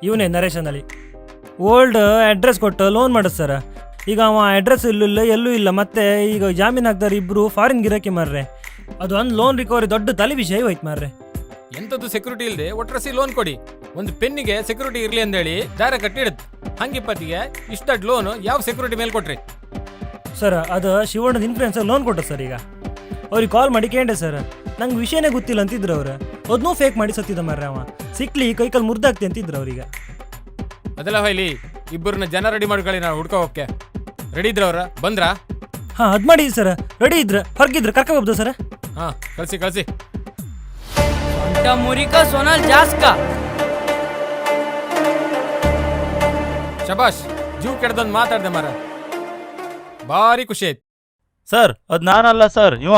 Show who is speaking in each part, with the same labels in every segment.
Speaker 1: ಇವನೇ ನರೇಶ್ ಅಂದಳಿ old address ಕೊಟ್ಟು ಲೋನ್ ಮಾಡೋದು ಸರ್. ಈಗ ಅವ ಅಡ್ರೆಸ್ ಇಲ್ಲ ಎಲ್ಲೂ ಇಲ್ಲ, ಮತ್ತೆ ಈಗ ಜಾಮೀನು ಹಾಕ್ತಾರೆ ಇಬ್ಬರು ಫಾರಿನ್ ಗಿರಾಕಿ ಮಾರ್ರೆ. ಅದು ಒಂದು ಲೋನ್ ರಿಕವರಿ ದೊಡ್ಡ ತಲೆ ವಿಷಯ ಹೋಯ್ತು ಮಾರ್ರೆ.
Speaker 2: ಎಂಥದ್ದು ಸೆಕ್ಯೂರಿಟಿ ಇಲ್ಲದೆ ಒಟ್ರಸಿ ಲೋನ್ ಕೊಡಿ, ಒಂದು ಪೆನ್ನಿಗೆ ಸೆಕ್ಯೂರಿಟಿ ಇರಲಿ ಅಂದೇಳಿ ದಾರ ಕಟ್ಟಿಡುತ್ತೆ. ಹಂಗಿಪ್ಪತ್ತಿಗೆ ಇಷ್ಟಡ್ ಲೋನ್ ಯಾವ ಸೆಕ್ಯೂರಿಟಿ ಮೇಲೆ ಕೊಟ್ರಿ?
Speaker 1: ಸರ್ ಅದು ಶಿವಣ್ಣದ ಇನ್ಫ್ಲೂಯೆನ್ಸರ್ ಲೋನ್ ಕೊಟ್ಟ ಸರ್. ಈಗ ಅವ್ರಿಗೆ ಕಾಲ್ ಮಾಡಿ ಕೇಂಡೆ ಸರ್, ನಂಗೆ ವಿಷಯನೇ ಗೊತ್ತಿಲ್ಲ ಅಂತಿದ್ರು ಅವ್ರು. ಅದನ್ನೂ ಫೇಕ್ ಮಾಡಿ ಸತ್ತಿದ್ದ ಮಾರ್ರೆ. ಅವ ಸಿಕ್ಲಿ ಕೈಕಲ್ ಮುರ್ದಾಗ್ತಿ ಅಂತಿದ್ರು ಅವ್ರೀಗ.
Speaker 2: ಅದೆಲ್ಲ ಹೊಯ್ಲಿ, ಇಬ್ಬರನ್ನ ಜನ ರೆಡಿ ಮಾಡ್ಕೊಳ್ಳಿ, ನಾವು ಹುಡ್ಕೋ ಹೋಗಕ್ಕೆ. ರೆಡಿ ಇದ್ರ ಅವ್ರ ಬಂದ್ರಾ?
Speaker 1: ಹಾಂ ಅದು ಮಾಡಿ ಸರ್, ರೆಡಿ ಇದ್ರ ಹೊರಗಿದ್ರ ಕರ್ಕೋಬೋದು ಸರ್.
Speaker 2: ಹಾಂ ಕಳ್ಸಿ ಕಳ್ಸಿ.
Speaker 3: ಮುರಿಕಾ ಸೋನಲ್ ಜಾಸ್ಕ
Speaker 2: ಶಬಾಷ್, ಜೀವ್ ಕೆಡ್ದೊಂದು ಮಾತಾಡ್ದೆ ಮಾರ, ಭಾರಿ ಖುಷಿ ಆಯ್ತು.
Speaker 4: ಸರ್ ಅದು ನಾನಲ್ಲ ಸರ್, ಇವ.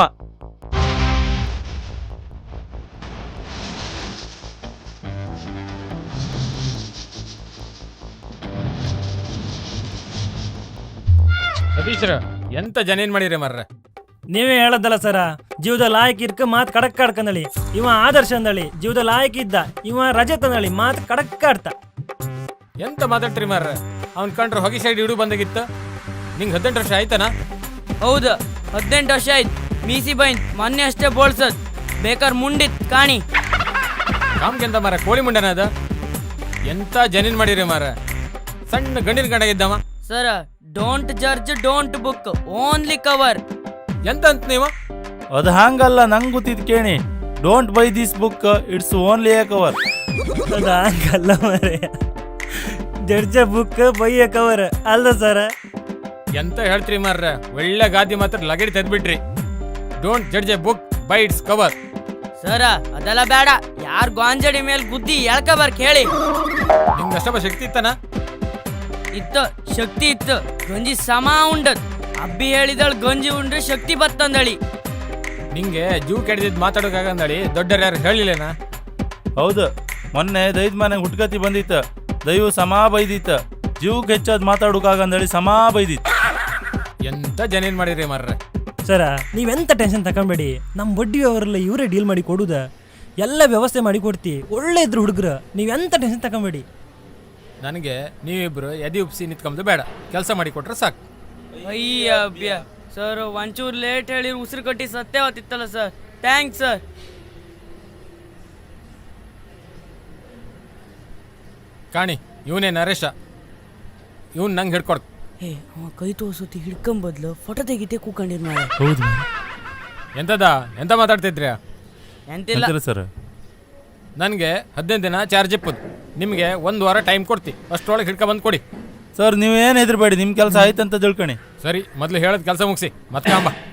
Speaker 2: ಸತೀಶ್ರ ಎಂತ ಜನೇನ್ ಮಾಡಿರಿ ಮಾರ್ರೆ.
Speaker 1: ನೀವೇ ಹೇಳದ್ದಲ್ಲ ಸರ, ಜೀವದಲ್ಲಿ ಆಯ್ಕೆ ಇರ್ಕ ಮಾತು ಕಡಕ್ ಕಾಡ್ಕಂದಳಿ. ಇವ ಆದರ್ಶ ಅಂದಳಿ ಜೀವದಲ್ಲಿ ಆಯ್ಕೆ ಇದ್ದ, ಇವ ರಜತ್ ಅಂದಳಿ ಮಾತು ಕಡಕ್ ಕಾಡ್ತ.
Speaker 2: ಎಂತ ಮಾತಾಡ್ತೀರಿ ಮಾರ್ರೆ? ಅವ್ನ್ ಕಂಡ್ರೆ ಹೊಗೆ ಸೈಡ್ ಇಡು ಬಂದಾಗಿತ್ತು. ನಿಂಗೆ 18 ವರ್ಷ ಆಯ್ತಾನ?
Speaker 3: ಹೌದು 18 ವರ್ಷ ಆಯ್ತು. ಮೀಸಿ ಬೈನ್ ಮೊನ್ನೆ ಅಷ್ಟೇ ಬೋಳ್ಸದ್, ಬೇಕಾರ್ ಮುಂಡಿತ್ ಕಾಣಿ.
Speaker 2: ಕಾಮ್ಗೆಂತ ಮಾರ ಕೋಳಿ ಮುಂಡನ ಅದ. ಎಂತ ಜನೇನ್ ಮಾಡಿರಿ ಮಾರ, ಸಣ್ಣ ಗಂಡಿನ ಗಂಡಾಗಿದ್ದವ.
Speaker 3: ಸರ don't judge don't book, only cover.
Speaker 2: ಎಂತ ಅಂತ ನೀವು?
Speaker 4: ಅದು ಹಂಗಲ್ಲ, ನಂಗೆ ಗೊತ್ತಿದ್ ಕೇಳಿ. Don't by this book, it's only a cover.
Speaker 1: ಅದು ಹಂಗಲ್ಲ ಮರೆ, ಜಡ್ಜ ಬುಕ್ ಬೈಯ ಕವರ್ ಅಲ್ಲ ಸರ.
Speaker 2: ಎಂತ ಹೇಳ್ತೀರಿ ಮಾರ್ರೆ, ಒಳ್ಳೆ ಗಾದಿ ಮಾತ್ರ ಲಗಡಿ ತೆಗ್ದ್ಬಿಟ್ರಿ. Don't judge a book by its cover.
Speaker 3: ಸರ ಅದೆಲ್ಲ ಬೇಡ, ಯಾರ್ ಗಾಂಜಡಿ ಮೇಲೆ ಗುದ್ದಿ ಎಳ್ಕಬಾರ್ ಕೇಳಿ.
Speaker 2: ನಿಮ್ಗೆ ಅಷ್ಟಪ್ಪ ಶಕ್ತಿ ಇತ್ತನ?
Speaker 3: ಇತ್ತು, ಶಕ್ತಿ ಇತ್ತು. ಗಂಜಿ ಸಮ ಉಂಡದ್. ಅಬ್ಬಿ ಹೇಳಿದಳು ಗಂಜಿ ಉಂಡ್ರೆ ಶಕ್ತಿ ಬತ್ತಂದಳಿ.
Speaker 2: ನಿಂಗೆ ಜೀವ್ ಕೆಡ್ದಿದ್ ಮಾತಾಡೋಕಾಗಂದಳಿ ದೊಡ್ಡರು ಯಾರು ಹೇಳಿಲ್ಲೇನಾ?
Speaker 4: ಹೌದು, ಮೊನ್ನೆ ದೈದ್ ಮನೆಗೆ ಹುಟ್ಕತಿ ಬಂದಿತ್ತು, ದೈವ ಸಮಾ ಬೈದಿತ್ತು. ಜೀವಕ್ಕೆ ಹೆಚ್ಚಾದ್ ಮಾತಾಡೋಕಾಗಂದಳಿ ಸಮಾ ಬೈದಿತ್ತು.
Speaker 2: ಎಂತ ಜನೇನ್ ಮಾಡಿರಿ ಮಾರ್ರೆ.
Speaker 1: ಸರ ನೀವೆಂತ ಟೆನ್ಷನ್ ತಗೊಂಬೇಡಿ, ನಮ್ಮ ಬಡ್ಡಿ ಅವರೆಲ್ಲ ಇವರೇ ಡೀಲ್ ಮಾಡಿ ಕೊಡುದ, ಎಲ್ಲ ವ್ಯವಸ್ಥೆ ಮಾಡಿ ಕೊಡ್ತಿ. ಒಳ್ಳೆ ಇದ್ರು ಹುಡುಗರು, ನೀವೆಂತ ಟೆನ್ಷನ್ ತಗೊಂಬೇಡಿ.
Speaker 2: ನನಗೆ ನೀವಿಬ್ರು ಎದಿ ಉಪ್ಸಿ ನಿಂತ್ಕೊಂಬುದು ಬೇಡ, ಕೆಲಸ ಮಾಡಿ ಕೊಟ್ರೆ ಸಾಕು.
Speaker 3: ಅಯ್ಯ ಅಬ್ಬ್ಯ ಸರ್, ಒಂಚೂರು ಲೇಟ್ ಹೇಳಿ ಉಸಿರು ಕಟ್ಟಿ ಸತ್ಯ ಹೊತ್ತಿತ್ತಲ್ಲ ಸರ್. Thanks sir.
Speaker 2: ಕಾಣಿ, ಇವನೇ ನರೇಶ. ಇವನ್ ನಂಗೆ ಹಿಡ್ಕೊಡ್.
Speaker 3: ಏ ಅವ ಕೈ ತೋರ್ಸತಿ ಹಿಡ್ಕೊಂಬದ್ಲು ಫೋಟೋ ತೆಗಿತೆ ಕೂಕೊಂಡಿರ್ ಮಾಡಿ.
Speaker 4: ಹೌದು
Speaker 2: ಎಂತದ ಎಂತ ಮಾತಾಡ್ತಿದ್ರಿ?
Speaker 3: ಎಂತಿಲ್ಲ
Speaker 4: ಸರ್.
Speaker 2: ನನಗೆ 15 ದಿನ ಚಾರ್ಜ್ ಇಪ್ಪದು, ನಿಮಗೆ 1 ವಾರ ಟೈಮ್ ಕೊಡ್ತಿ. ಅಷ್ಟರೊಳಗೆ ಹಿಡ್ಕೊ ಬಂದು ಕೊಡಿ.
Speaker 4: ಸರ್ ನೀವೇನು ಹೆದರ್ಬೇಡಿ, ನಿಮ್ಮ ಕೆಲಸ ಆಯ್ತಂತ ತಿಳ್ಕೊಳಿ.
Speaker 2: ಸರಿ, ಮೊದಲು ಹೇಳೋದು ಕೆಲಸ ಮುಗಿಸಿ ಮತ್ತೆ ಅಂಬ.